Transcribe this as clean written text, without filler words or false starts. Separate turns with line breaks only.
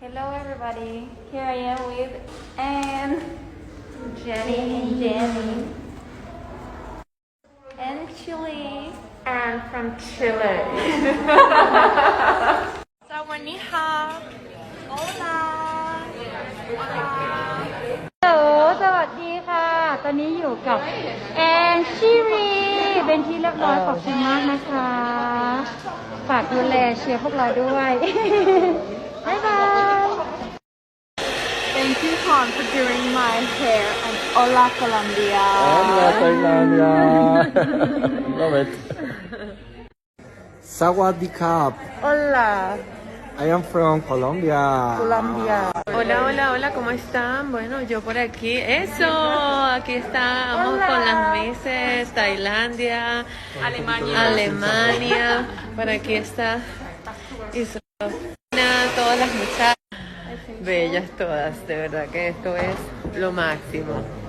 Hello everybody, here I am with Anne, Jenny, and Chile.
And from Chile.
สวัสดีค่ะ Hola
ฮัลโหลสวัสดีค่ะ ตอนนี้อยู่กับแอนชิรีเป็นที่เรียบร้อยขอบคุณมากนะคะ ฝากดูแลเชียร์พวกเราด้วย บ๊ายบาย
Thank you Con for doing my hair and Hola Colombia.
Hola, Tailandia. Love it. Sawadee-krap.
Hola
I am from Colombia.
Colombia.
Hola, hola, hola, ¿cómo están? Bueno, yo por aquí, eso, aquí estamos con las Misses, Tailandia, Alemania, por aquí está Isabela, todas las muchachas, bellas todas, de verdad que esto es lo máximo.